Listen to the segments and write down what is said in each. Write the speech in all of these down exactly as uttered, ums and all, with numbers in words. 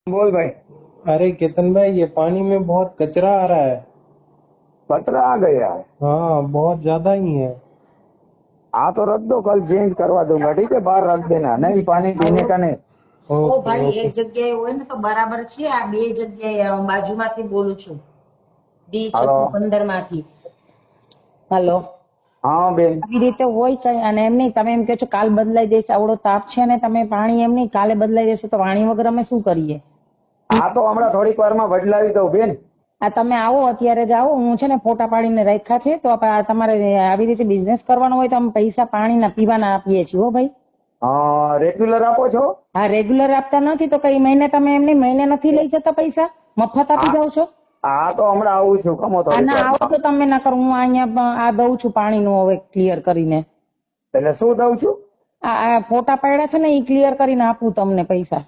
बोल भाई। अरे केतन भाई, ये पानी में बहुत कचरा आ रहा है। कचरा आ गया है। हाँ, बहुत ज्यादा ही है। हाँ तो रख दो, कल चेंज करवा दूंगा। ठीक है, बाहर रख देना, नहीं पानी पीने का नहीं। ઓ ओके ભાઈ ओके। એક જગ્યાએ હોય ને તો બરાબર છે, આ બે જગ્યાએ હું બાજુમાંથી બોલું છું, ડી हेलो। છસો પંદર માંથી. હલો. हाँ बेन। આવી રીતે હોય કઈ, અને એમ નહીં તમે એમ કહો છો કાલ બદલાઈ દેશે, આવડો તાપ છે ને તમે પાણી એમ નહીં કાલે બદલાઈ દેશે તો પાણી વગર અમે શું કરીએ? हाँ तो हमारा थोड़ी वार में बदलावी दो बेन। આ તમે આવો અત્યારે જ આવો, હું છે ને ફોટા પાડીને રાખ્યા છે, તો આપણે આ તમારે આવી રીતે બિઝનેસ કરવાનો હોય તો અમે પૈસા પાણીના પીવાના આપીએ છીએ હો ભાઈ. हाँ रेग्युलर आपो છો? હા રેગ્યુલર આપતા નથી તો કઈ મહિને તમે એમ નહીં મહિને નથી લઈ જતા પૈસા, મફત આપી હા જાવ છો? હા તો હમણાં આવું છું, કમો આ થોડીક ના આવો વારમાં. તો તમે ના કરો, હું અહીંયા આ દઉં છું પાણીનું હવે ક્લિયર કરીને. એટલે શું દઉં છું? આ આ ફોટા પાડ્યા છે ને એ ક્લિયર કરીને આપું તમને પૈસા.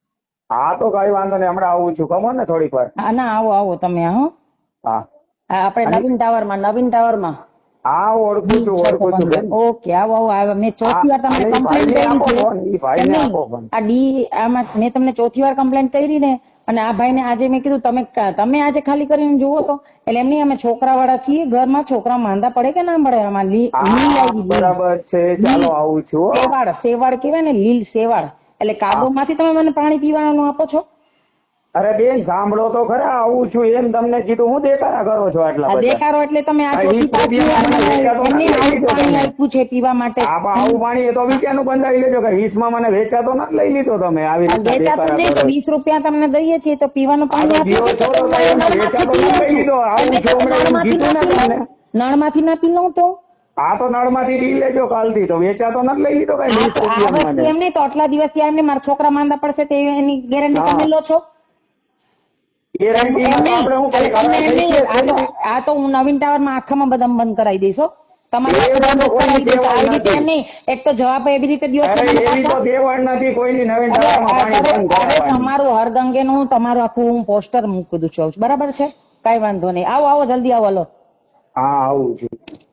હા તો કઈ વાંધો નહીં, હમણાં આવું છું, કમો ને થોડીક વાર. હા ના આવો આવો તમે. હા હા આ આપણે અને નવીન ટાવરમાં નવીન ટાવરમાં હા ઓળખું છું, ઓળખું છું બેન. ઓકે આવો આવો આવો. મેં હા ચોથી વાર તમને અને ઈ કમ્પ્લેન ભાઈને કરી આપો છે. ફોન, ઈ ભાઈને એમ નહીં, આપો ફોન. આ ડી આમાં મેં તમને ચોથી વાર કમ્પ્લેન કરી ને, અને આ ભાઈને આજે મેં કીધું તમે તમે આજે ખાલી કરીને જુઓ તો. એટલે એમ નહીં, અમે છોકરા વાળા છીએ, ઘરમાં છોકરા માંદા પડે કે ના પડે? આમાં લી- લીલ હા આવી લીલ બરાબર છે, ચાલો લીલ આવું છું હો. સેવાળ સેવાળ કહેવાય ને, લીલ સેવાળ. એટલે હા કાદવ માંથી તમે મને પાણી પીવાનું આપો છો? અરે બેન સાંભળો તો ખરા, આવું છું એમ તમને કીધું, હું દેખાડા કરો છો આટલા આ બધા? દેખાડો એટલે તમે આ આ ચોથી વીસ પાંચમી વાર રૂપિયામાં મને મને વેચાતો એમને નથી લઈ આવું લીધો પાણી તમે. આપ્યું છે પીવા માટે. આ પણ આવું પાણી એ તો વીસનું બંધાવી લેજો કે વીસ માં મને વેચાતો નથી લઈ લીધો તમે, આવી આ રીતના વેચાતું દેખાડા નહીં તો કરો. વીસ રૂપિયા તમને દઈએ છીએ તો પીવાનું આ પાણી તો આપીએ જીવો છીએ છો તો તો તમે એમ નળમાંથી વેચાતો પી નથી લો લઈ છો. લીધો, આવું એટલે છું તમે હમણાં એમ નળમાંથી કીધું ના ને પી લો, તમને. નળમાંથી ના પી લો તો. આ તો નળમાંથી પી લેજો કાલથી, તો વેચાતો નથી લઈ લીધો કઈ આ વીસ તો આ રૂપિયામાં વસ્તુ મને. એમ નહીં તો આટલા દિવસથી એમને મારા છોકરા માંદા પડશે તે એની ગેરંટી તમે હા લો છો? એમ એમ ગેરંટીમાં તો નહીં, આપણે હું એટલે કઈ તમને કરાર એમ થઈ નહીં, ગયા આ તો છે? આ તો હું નવીન ટાવરમાં આખામાં બધા બંધ કરાવી દઈશ હો. તમારે એવી તો બંધ જ કોઈની કરાવી દઈશ. દેવાળ આવી રીતે નથી. એમ નહીં, એક તો જવાબ એવી રીતે દ્યો છો અરે મને એવી તો પાછા. દેવાળ નથી કોઈની નવીન અરે ટાવરમાં પાણી અરે બંધ અરે કરાવવાની. તમારું હરગંગેનું તમારું આખું હું પોસ્ટર મૂકી દઉં છું, બરાબર છે? કઈ વાંધો નહીં, આવો આવો જલ્દી આવો. હલો. હા આવું છું.